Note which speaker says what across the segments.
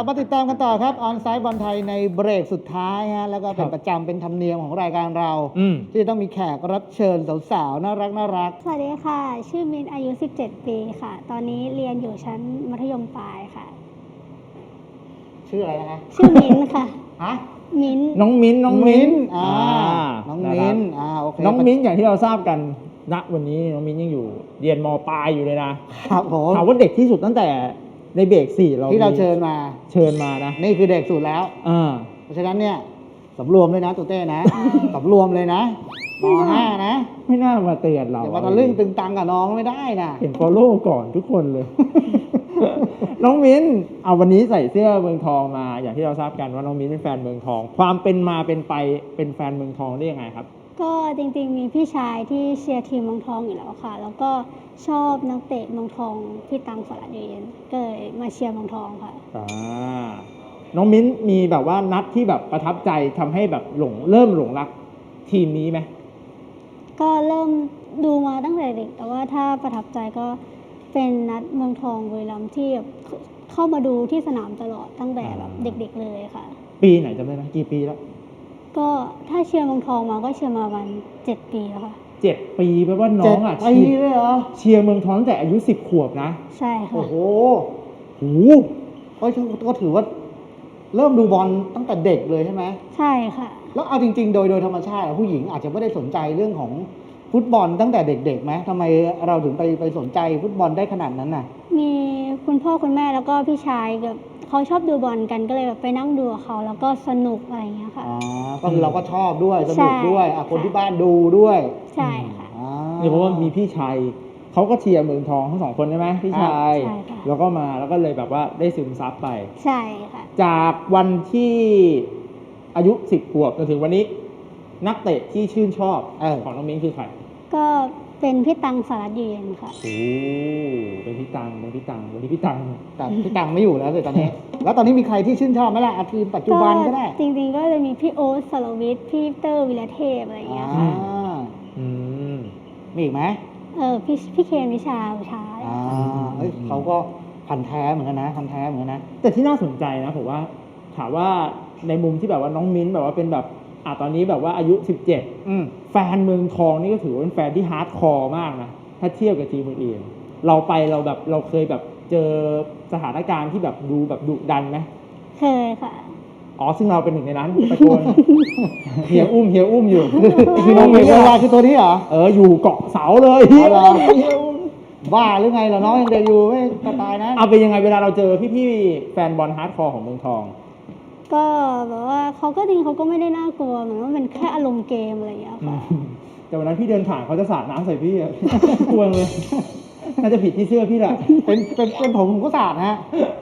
Speaker 1: ลับมาติดตามกันต่อครับออนไซต์บอลไทยในเบรกสุดท้ายฮะแล้วก็เป็นประจำเป็นธรรมเนียมของรายการเราที่ต้องมีแขกรับเชิญสาวๆน่ารัก
Speaker 2: สวัสดีค่ะชื่อมิ้นอายุ17ปีค่ะตอนนี้เรียนอยู่ชั้นมัธยมปลายค่ะ
Speaker 1: ชื่ออะไรนะคะ
Speaker 2: ชื่อมิ้นค่ะ
Speaker 1: ฮะ
Speaker 2: มิ้น
Speaker 3: น้องมิ้นน้องมิ้น
Speaker 1: น้องมิ้นโอเค
Speaker 3: น้องมิ้นอย่างที่เราทราบกันณวันนี้น้องมิ้นยังอยู่เรียนม.ปลายอยู่เลยนะครับผมถามว่าเด็กที่สุดตั้งแต่ในเบรก4เรา
Speaker 1: ที่เราเชิญมานะนี่คือเด็กสุดแล้วเพราะฉะนั้นเนี่ยสำรวมเลยนะตูเต้นะสำรวมเลยนะม.5นะ
Speaker 3: ไม่น่ามาเตือนเรา
Speaker 1: อย่ามาตะลึงตึงตังกับน้องไม่ได้นะ
Speaker 3: เห็น follow ก่อนทุกคนเลย น้องมิ้นเอาวันนี้ใส่เสื้อเมืองทองมาอย่างที่เราทราบกันว่าน้องมิ้นเป็นแฟนเมืองทองความเป็นมาเป็นไปเป็นแฟนเมืองทองได้ยังไงครับ
Speaker 2: ก็จริงๆมีพี่ชายที่เชียร์ทีมเมืองทองอยู่แล้วค่ะแล้วก็ชอบนักเตะเมืองทองพี่ตังสลัดอยู่เย็นก็เลยมาเชียร์เมืองทองค่ะ
Speaker 3: น้องมิ้นมีแบบว่านัดที่แบบประทับใจทำให้แบบเริ่มหลงรักทีมนี้ไหม
Speaker 2: ก็เริ่มดูมาตั้งแต่เด็กแต่ว่าถ้าประทับใจก็เป็นนัดเมืองทองบุรีรัมย์ที่เข้ามาดูที่สนามตลอดตั้งแต่แบบเด็กๆเลยค่ะ
Speaker 3: ปีไหนจำได้ไหมกี่ปีแล้ว
Speaker 2: ก็ถ้าเชียร์เมืองทองมาก็เชียร์มาวัน7 ปีแล้วค่ะ
Speaker 3: 7 ปีแปลว่าน้องอ่ะ
Speaker 1: เชียร์เลยเหรอ
Speaker 3: เชียร์เมืองทองตั้งแต่อายุ10 ขวบนะ
Speaker 2: ใช่ค่ะ
Speaker 1: โอ้โหก็ถือว่าเริ่มดูบอลตั้งแต่เด็กเลยใช่ไหม
Speaker 2: ใช่ค่ะ
Speaker 1: แล้วเอาจริงๆโดยธรรมชาติผู้หญิงอาจจะไม่ได้สนใจเรื่องของฟุตบอลตั้งแต่เด็กๆไหมทำไมเราถึงไปสนใจฟุตบอลได้ขนาดนั้นน่ะ
Speaker 2: มีคุณพ่อคุณแม่แล้วก็พี่ชายกับเขาชอบดูบอลกันก็เลยแบบไปนั่งดูกับเขาแล้วก็สนุกอะไรอย่างเงี้ยค่ะ
Speaker 1: ก็คือเราก็ชอบด้วยสนุกด้วยคนที่บ้านดูด้วย
Speaker 2: ใช่ค่ะ
Speaker 3: นี่เพราะว่ามีพี่ชายเขาก็เชียร์เมืองทองทั้ง2 คนใช่ไหมพี่ชายแล้วก็มาแล้วก็เลยแบบว่าได้ซึมซับไป
Speaker 2: ใช่ค่ะ
Speaker 3: จากวันที่อายุ10 ขวบจนถึงวันนี้นักเตะที่ชื่นชอบของน้องมิ้นคือใคร
Speaker 2: ก็เป็นพี่ตังสลัดอยู่เย็นค่ะ
Speaker 3: โอ้เป็นพี่ตังวันนี้พี่ตัง
Speaker 1: แต่พี่ตังไม่อยู่แล้วเลยตอนนี้แล้วตอนนี้มีใครที่ชื่นชอบไหมล่ะทีมปัจจุบันก็ได้
Speaker 2: จริงๆก็เลยมีพี่โอ๊ตสรวิทย์พี่เตอร์วิรเทพอะไรอย่างเงี้ยค่ะ
Speaker 1: มีอีกไหม
Speaker 2: พี่เคนวิชา
Speaker 1: เขาก็พันแท้เหมือนกันนะ
Speaker 3: แต่ที่น่าสนใจนะผมว่าถามว่าในมุมที่แบบว่าน้องมิ้นแบบว่าเป็นแบบตอนนี้แบบว่าอายุ17แฟนเมืองทองนี่ก็ถือว่าเป็นแฟนที่ฮาร์ดคอร์มากนะถ้าเทียบกับทีมอื่นๆเราเคยแบบเจอสถานการณ์ที่แบบดูแบบดุดันไหม
Speaker 2: เคยค่ะ
Speaker 3: ซึ่งเราเป็นหนึ่งในนั้นตะโกนเฮียอุ้มอยู่
Speaker 1: คือน้องมิ้นว่าคือตัวนี้เหรอ
Speaker 3: อยู่เกาะเสาเลย
Speaker 1: บ้าหรือไงเหรอน้องยังเด็กอยู่ไม่ตายนะ
Speaker 3: เอาเป็นยังไงเวลาเราเจอพี่แฟนบอลฮาร์ดคอร์ของเมืองทอง
Speaker 2: ก็แบบว่าเขาก็จริงเขาก็ไม่ได้น่ากลัวเหมือนว่ามันแค่อารมณ์เกมอะไรอย่างเงี้ยค่ะ
Speaker 3: แต่วันนั้นพี่เดินผ่านเขาจะสาดน้ำใส่พี่กลัวเลยน่าจะผิดที่เสื้อพี่แหละ
Speaker 1: เป็นผมก็สาดฮะ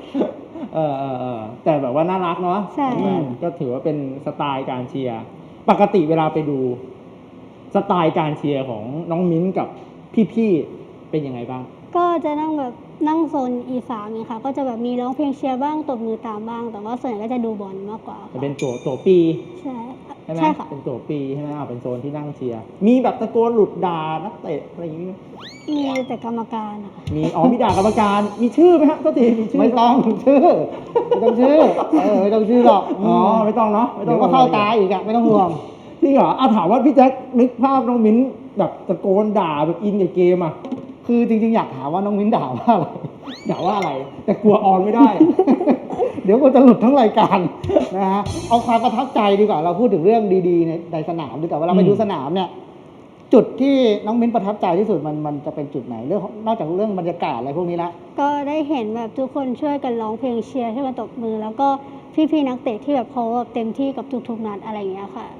Speaker 3: แต่แบบว่าน่ารักเนาะ
Speaker 2: ใช่
Speaker 3: ก็ถือว่าเป็นสไตล์การเชียร์ปกติเวลาไปดูสไตล์การเชียร์ของน้องมิ้นกับพี่ๆเป็นยังไงบ้าง
Speaker 2: ก็จะนั่งโซนE3เนี่ยค่ะก็จะแบบมีร้องเพลงเชียร์บ้างตบมือตามบ้างแต่ว่าส่วนใหญ่ก็จะดูบอลมากกว่า
Speaker 3: จะเป็นตัวปี
Speaker 2: ใช่
Speaker 3: ไหมเป็นตัวปีใช่ไหมเป็นโซนที่นั่งเชียร์มีแบบตะโกนหลุดด่านักเตะอะไรอย่างนี้
Speaker 2: มีแต่กรรมการค่ะ
Speaker 3: มีด่ากรรมการมีชื่อไหมฮะก็ทีมีชื่อ
Speaker 1: ไม่ต้องชื่อไม่ต้องชื่อหรอก
Speaker 3: ไม่ต้องเนาะ
Speaker 1: เดี๋ยวก็เข้าตาอีกอะไม่ต้องห่วง
Speaker 3: ที่เหรอถามว่าพี่แจ็คนึกภาพน้องมิ้นแบบตะโกนด่าแบบอินกับเกมอ่ะ
Speaker 1: คือจริงๆอยากถามว่าน้องมิ้นด่าว่าอะไร
Speaker 3: แต่กลัวออนไม่ได้
Speaker 1: เดี๋ยวมันจะหลุดทั้งรายการนะฮะเอาความประทับใจดีกว่าเราพูดถึงเรื่องดีๆในสนามดีกว่าเวลาไปดูสนามเนี่ยจุดที่น้องมิ้นประทับใจที่สุดมันจะเป็นจุดไหนเรื่องนอกจากเรื่องบรรยากาศอะไรพวกนี้ละ
Speaker 2: ก็ได้เห็นแบบทุกคนช่วยกันร้องเพลงเชียร์ช่วยกันตบมือแล้วก็พี่ๆนักเตะที่แบบเขาเต็มที่กับทุกๆนัดอะไรอย่างเงี้ยค่ะ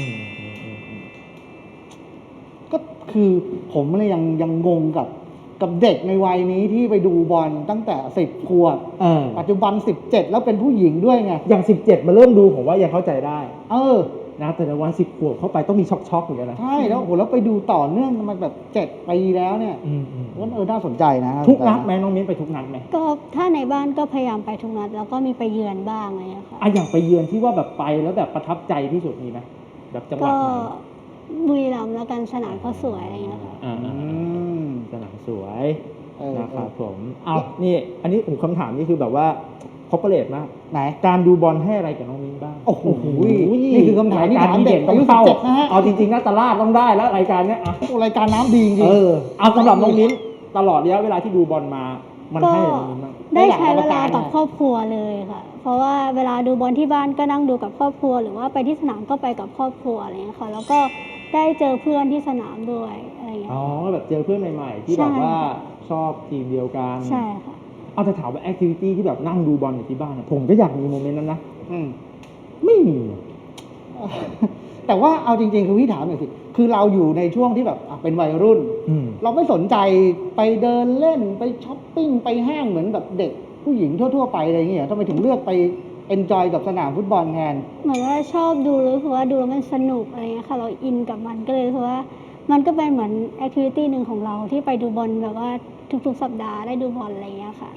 Speaker 1: ก็คือผมเลยยังงงกับเด็กในวัยนี้ที่ไปดูบอลตั้งแต่10 ขวบปัจจุบัน17แล้วเป็นผู้หญิงด้วยไง
Speaker 3: อย่าง17มาเริ่มดูผมว่ายังเข้าใจได้นะแต่ในวัน10 ขวบเข้าไปต้องมีช็อกเหมือนกันนะ
Speaker 1: ใช่แล้วแล้วไปดูต่อเนื่องมาแบบ7 ปีแล้วเนี่ยก็น่าสนใจนะ
Speaker 3: ทุกนัดไหมน้องมิ้นไปทุกนัดไหม
Speaker 2: ก็ถ้าในบ้านก็พยายามไปทุกนัดแล้วก็มีไปเยือนบ้างอะไรอย่างเงี้ยค่ะ
Speaker 3: อย่างไปเยือนที่ว่าแบบไปแล้วแบบประทับใจที่สุดมีไหมแบบจังหวัดไหน
Speaker 2: บุรีรัมย์แล้วกันสนามเขาสวยอะไรอย่างเงี้ยค่ะ
Speaker 3: สนามสวยนะครับผมนี่อันนี้ผมคำถามนี่คือแบบว่าคอร์ปอเรทมาก
Speaker 1: ไหน
Speaker 3: การดูบอลให้อะไรกับน้องมิ้นบ้าง
Speaker 1: โอ้โหนี่คือคำถามที่ถามเด็ก
Speaker 3: ต้
Speaker 1: อา
Speaker 3: อง
Speaker 1: ยุ
Speaker 3: เข้า
Speaker 1: 17นะฮะ
Speaker 3: เอาจริงๆนะตลาดต้องได้แล้วรายการเนี้ยอ่ะ
Speaker 1: โอ้รายการน้ำดีจริง
Speaker 3: เอาสำหรับน้องมิ้นตลอดระยะเวลาที่ดูบอลมามัน
Speaker 2: ก็
Speaker 3: ให้อะไรน้องมิ้นบ้าง
Speaker 2: ได้ใช้เวลา
Speaker 1: ได้หลายประการ
Speaker 2: กับครอบครัวเลยค่ะ เพราะว่าเวลาดูบอลที่บ้านก็นั่งดูกับครอบครัว หรือว่าไปที่สนามก็ไปกับครอบครัวอะไรเงี้ยค่ะ แล้วก็ได้เจอเพื่อนที่สนามด้วยอะไรเงี้ย
Speaker 3: อ๋อแบบเจอเพื่อนใหม่ๆ ที่
Speaker 2: ใช่
Speaker 3: แบบว่าชอบทีมเดียวกัน
Speaker 2: ใช่ค่ะ
Speaker 3: เอาแต่ถามว่าแอคทิวิตี้ที่แบบนั่งดูบอลอยู่ที่บ้านอะผมก็อยากมีโมเมนต์นั้นนะ
Speaker 1: อืม
Speaker 3: ไม่มี
Speaker 1: แต่ว่าเอาจริงๆคือพี่ถามหน่อยสิคือเราอยู่ในช่วงที่แบบเป็นวัยรุ่น เราไม่สนใจไปเดินเล่นไปช้อปปิ้งไปห้างเหมือนแบบเด็กผู้หญิงทั่วๆไปอะไรอย่างเงี้ยทำไมถึงเลือกไปเอนจอยกับสนามฟุตบอลแทน
Speaker 2: เหมือนว่าชอบดูรู้สึกว่าดูแล้วมันสนุกอะไรเงี้ยค่ะ เราอินกับมันก็เลยรู้สึกว่ามันก็เป็นเหมือนแอคทิวิตี้หนึ่งของเราที่ไปดูบอลแบบว่าทุกๆสัปดาห์ได้ดูบอลอะไรเงี้ยค่ะ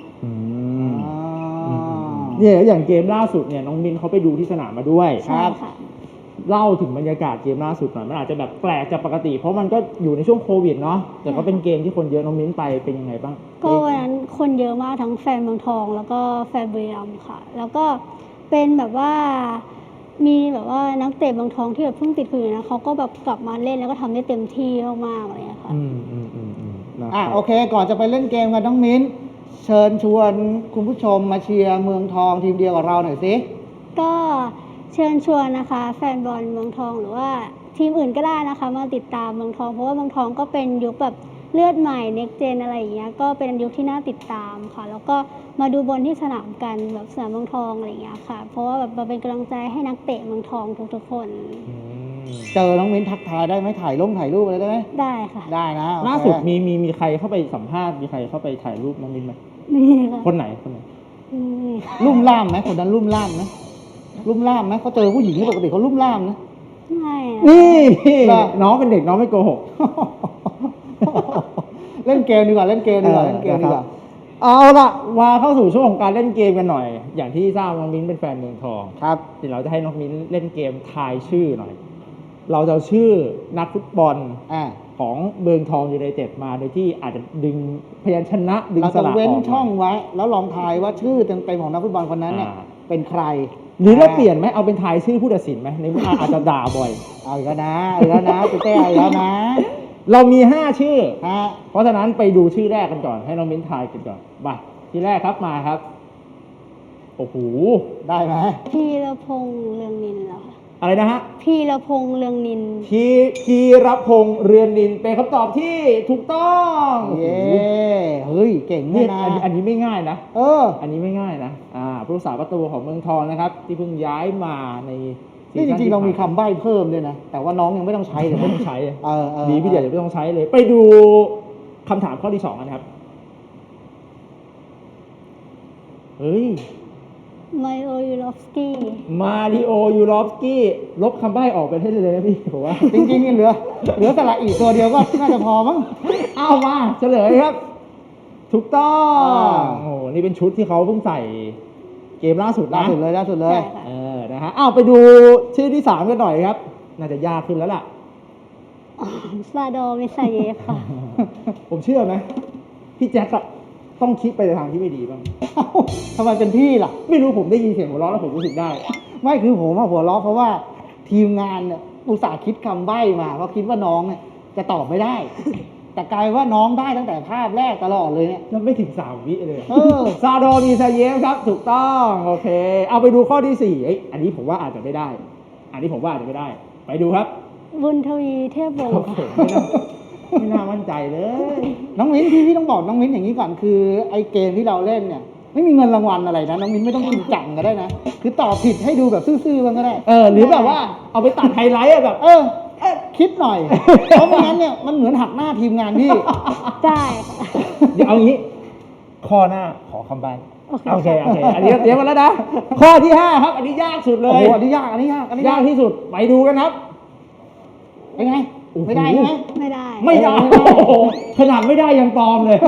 Speaker 3: เนี่ยอย่างเกมล่าสุดเนี่ยน้องมินเขาไปดูที่สนามมาด้วย
Speaker 2: ใช่ค่ะ
Speaker 3: เล่าถึงบรรยากาศเกมล่าสุดหน่อยมันอาจจะแบบแปลกจากปกติ เพราะมันก็อยู่ในช่วงโควิดเนาะแต่ก็เป็นเกมที่คนเยอะน้องมิ้นไปเป็นยังไงบ้าง
Speaker 2: ก็วันนั้นคนเยอะมากทั้งแฟนเมืองทองแล้วก็แฟนบุรีรัมย์ค่ะ แล้วก็เป็นแบบว่ามีแบบว่านักเตะเมืองทองที่แบบเพิ่งติดโควิดนะเขาก็แบบกลับมาเล่นแล้วก็ทำได้เต็มที่มากๆอะไรอย่างเงี้ยค่ะ
Speaker 1: โอเค ก่อนจะไปเล่นเกมกันน้องมิ้น เชิญชวนคุณผู้ชมมาเชียร์เมืองทองทีมเดียวกับเราหน่อยสิ
Speaker 2: ก็เชิญชวนนะคะ แฟนบอลเมืองทองหรือว่าทีมอื่นก็ได้นะคะ มาติดตามเมืองทองเพราะว่าเมืองทองก็เป็นยุคแบบเลือดใหม่ next gen อะไรอย่างเงี้ยก็เป็นยุคที่น่าติดตามค่ะ แล้วก็มาดูบอลที่สนามกันแบบสนามเมืองทองอะไรอย่างเงี้ยค่ะ เพราะว่าแบบมาเป็นกำลังใจให้นักเตะเมืองทองทุกๆคน
Speaker 1: เจอน้องมิ้นทักทายได้ไหมถ่ายรูปอะไรได้ไหม
Speaker 2: ได้ค่ะ
Speaker 1: ได้นะโอเค
Speaker 3: ล่าสุดมีใครเข้าไปสัมภาษณ์มีใครเข้าไปถ่ายรูปน้องมิ้นไหม
Speaker 2: นี่ค่ะ
Speaker 3: คนไหน
Speaker 2: นี่
Speaker 1: ลุ่มล่ามไหมคนนั้นลุ่มล่ามไหมลุ่มล่ามไหมเขาเจอผู้หญิงที่ปกติเขาลุ่มล่ามนะ
Speaker 2: ไม่อะ
Speaker 3: นี่
Speaker 1: เหรอ
Speaker 3: น้องเป็นเด็กน้องไม่โกหก
Speaker 1: เล่นเกมดีกว่าเล่นเกมดีกว่าเล่นเกมดีกว่า
Speaker 3: เอาละมาเข้าสู่ช่วงของการเล่นเกมกันหน่อย อย่างที่ทราบน้องมิ้นเป็นแฟนเมืองทอง
Speaker 1: ครับ
Speaker 3: เดี๋ยวเราจะให้น้องมิ้นเล่นเกมทายชื่อหน่อย เราจะเอาชื่อนักฟุตบอล
Speaker 1: อ่า
Speaker 3: ของเมืองทองยูไนเต็ดมาโดยที่อาจจะดึงพยัญชนะดึง
Speaker 1: เรา
Speaker 3: ส
Speaker 1: จะ
Speaker 3: ระอ
Speaker 1: เว้น
Speaker 3: อก
Speaker 1: ช่องไว้ แล้วลองทายว่าชื่อเต็มๆของนักฟุตบอลคนนั้นเนี่ยเป็นใคร
Speaker 3: หรือเราเปลี่ยนไหมเอาเป็นทายชื่อผู้ตัดสินไหมในเมื่ออาจจะด่าบ่อย
Speaker 1: เอาอีกแล้วนะเอาอีกแล้วนะเต้เอาอีกแล้วนะ
Speaker 3: เรามี 5 ชื่อ
Speaker 1: ฮะ
Speaker 3: เพราะฉะนั้นไปดูชื่อแรกกันก่อนให้น้องมิ้นทายกันก่อนมาชื่อแรกครับมาครับโอ้โห
Speaker 1: ได้ไหม
Speaker 2: พีรพงษ์เรืองนินเหรอคะ
Speaker 3: อะไรนะฮะ
Speaker 2: พีรพงษ์เรืองนิน
Speaker 3: พีรพงษ์เรือนนินเป็นคำตอบที่ถูกต้องโอ้โห
Speaker 1: เย้เฮ้ยเก่ง
Speaker 3: นี่
Speaker 1: เนี่ยนะ
Speaker 3: อันนี้ไม่ง่ายนะ
Speaker 1: เออ
Speaker 3: อันนี้ไม่ง่ายนะผู้รักษาประตูของเมืองทองนะครับ ที่เพิ่งย้ายมาในซี
Speaker 1: นี่จ
Speaker 3: ซั่
Speaker 1: ริงๆเรามี
Speaker 3: ที่ผ่
Speaker 1: คำใบ้เพิ่มด้วยนะ แต่ว่าน้องยังไม่ต้องใช้เลย
Speaker 3: ไม่ต้องใช้
Speaker 1: เออ
Speaker 3: ดีพี่เดียวจะไม่ต้องใช้เลย ไปดูคำถามข้อที่ 2 กันครับ เฮ้ย
Speaker 2: ไมโอยูรอฟสกี้
Speaker 3: มาริโอยูรอฟสกี้ลบคำใบ้ออกไปให้เลยนะพี่ผมว่า
Speaker 1: จริงๆนี่เหลือสระอีกตัวเดียวก็น่าจะพอมั้ง
Speaker 3: เอามาเฉลยครับ ถูกต้อง
Speaker 1: อ่า
Speaker 3: โอ้โหนี่เป็นชุดที่เขาเพิ่งใส่เกมล่าสุด
Speaker 1: ล่า
Speaker 3: นะ
Speaker 1: สุดเลยล่าสุดเลย
Speaker 2: ใช่ค่ะ
Speaker 3: นะฮะไปดูชื่อที่ 3 กันหน่อยครับ น่าจะยากขึ้นแล้วล่ะ
Speaker 2: ซาโดมิซาเยฟค่ะ
Speaker 3: ผมเชื่อไหมพี่แจ็คอะต้องคิดไปในทางที่ไม่ดีบ้าง
Speaker 1: เอ้าทำไมเป็นพี่ล่ะ
Speaker 3: ไม่รู้ผมได้ยินเสียงหัวเราะแล้วผมรู้สึกได้
Speaker 1: ไม่คือผมอะหัวเราะเพราะว่าทีมงานเนี่ยอุตส่าห์คิดคำใบ้มาเพราะคิดว่าน้องเนี่ยจะตอบไม่ได้ แต่กลายว่าน้องได้ตั้งแต่ภาพแรกตลอดเลยเนี่ย
Speaker 3: แล้วไม่ถึง3 วิเลย
Speaker 1: เออ
Speaker 3: ซาโดนีซาเยฟครับ ถูกต้อง โอเค เอาไปดูข้อที่ 4อันนี้ผมว่าอาจจะไม่ได้ อันนี้ผมว่าอาจจะไม่ได้ ไปดูครับ
Speaker 2: บุญทวีเทพวง
Speaker 3: โอ้
Speaker 2: ศ์
Speaker 3: โห
Speaker 2: ค่ะ
Speaker 3: ไม่น่ามั่นใจเลย
Speaker 1: น้องมิ้นพี่ต้องบอกน้องมิ้นอย่างนี้ก่อนคือไอ้เกมที่เราเล่นเนี่ย ไม่มีเงินรางวัลอะไรนะน้องมิ้นไม่ต้องจริงจังก็ได้นะ คือตอบผิดให้ดูแบบซื่อๆบ้างก็ได้
Speaker 3: หรือแบบว่าเอาไปตัดไฮไลท์อะแบบ
Speaker 1: คิดหน่อย เพราะไม่งั้นเนี่ยมันเหมือนหักหน้าทีมงานพี่
Speaker 2: ได้ค่ะ
Speaker 3: เดี๋ยวเอางี้ ข้อหน้าขอคำใบ้
Speaker 2: โอเค
Speaker 3: โอเค อันนี้เตรียมมาแล้วนะ ข้อที่ 5 ครับ อันนี้ยากสุดเล
Speaker 1: โอ้
Speaker 3: ย
Speaker 1: โหอันนี้ยากอันนี้ยากอันนี้าก
Speaker 3: ยายกที่สุด ไปดูกันครับ
Speaker 1: เป็นไง
Speaker 3: โอ้โห
Speaker 1: ไม่ได้ใช่ไหม
Speaker 2: ไม่ได้
Speaker 3: ไม่ได้
Speaker 1: ไม่ได้
Speaker 3: โอ้โหขนาดไม่ได้ยังปลอมเลย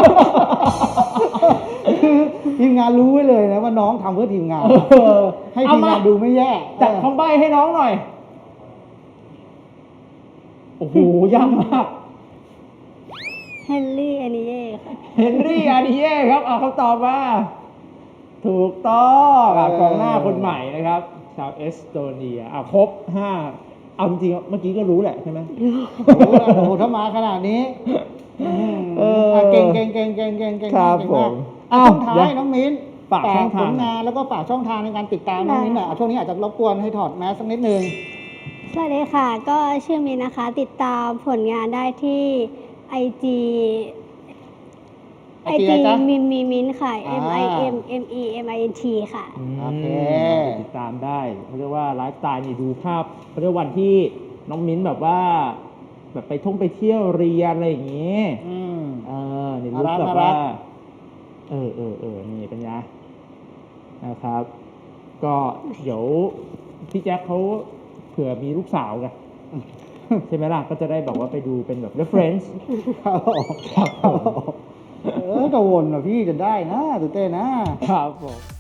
Speaker 1: คือทีมงานรู้ไว้เลยนะว่าน้องทำเพื่อทีมงาน ให้ทีมงานดูไม่แย่
Speaker 3: จัดคำใบ้ให้น้องหน่อย โอ้โห ยากมาก
Speaker 2: เฮนรี่แอนิเย่ค่ะ
Speaker 3: เฮนรี่อาร์ดิเย่ครับเอาคำตอบมาถูกต้อง
Speaker 1: เออก
Speaker 3: องหน้าคนใหม่นะครับ ชาวเอสโตเนียครบ5เอาจริงๆเมื่อกี้ก็รู้แหละใช่ไหม
Speaker 1: โอ้โหถ้ามาขนาดนี้ เก่ง
Speaker 3: ครับ
Speaker 1: มาก
Speaker 3: ผม
Speaker 1: ช่วงท้า
Speaker 3: เดี๋
Speaker 1: ย
Speaker 3: ยว
Speaker 1: น้องมิ้น
Speaker 3: ฝากช่องทาง
Speaker 1: ผลงานแล้วก็ฝากช่องทางในการติดตามน้องมิ้นหน่อยช่วงนี้อาจจะรบกวนให้ถอดแมสสักนิดนึง
Speaker 2: สวัสดีค่ะ ก็ชื่อมินนะคะ ติดตามผลงานได้ที่ IG
Speaker 1: IG อะไรจ๊ะ
Speaker 2: มินค่ะ
Speaker 1: อ่า
Speaker 2: MIMMEMINT ค่ะ
Speaker 1: โอเค
Speaker 3: ติดตามได้เขาเรียกว่าไลฟ์สไตล์นี่ดูภาพเขาเรียกวันที่น้องมิ้นแบบว่า แบบไปเที่ยวเรียนอะไรอย่างงี้ นี่รู้
Speaker 1: น่ารัก
Speaker 3: แบบว่านี่เป็นไงนะครับ ก็เดี๋ยวพี่แจ็คเขาเผื่อมีลูกสาวไงใช่ไหมล่ะ ก็จะได้แบบว่าไปดูเป็นแบบ reference
Speaker 1: ครับผม
Speaker 3: ครับผม
Speaker 1: กังวลว่ะพี่จะได้นะตื่นเต้นนะ
Speaker 3: ครับผม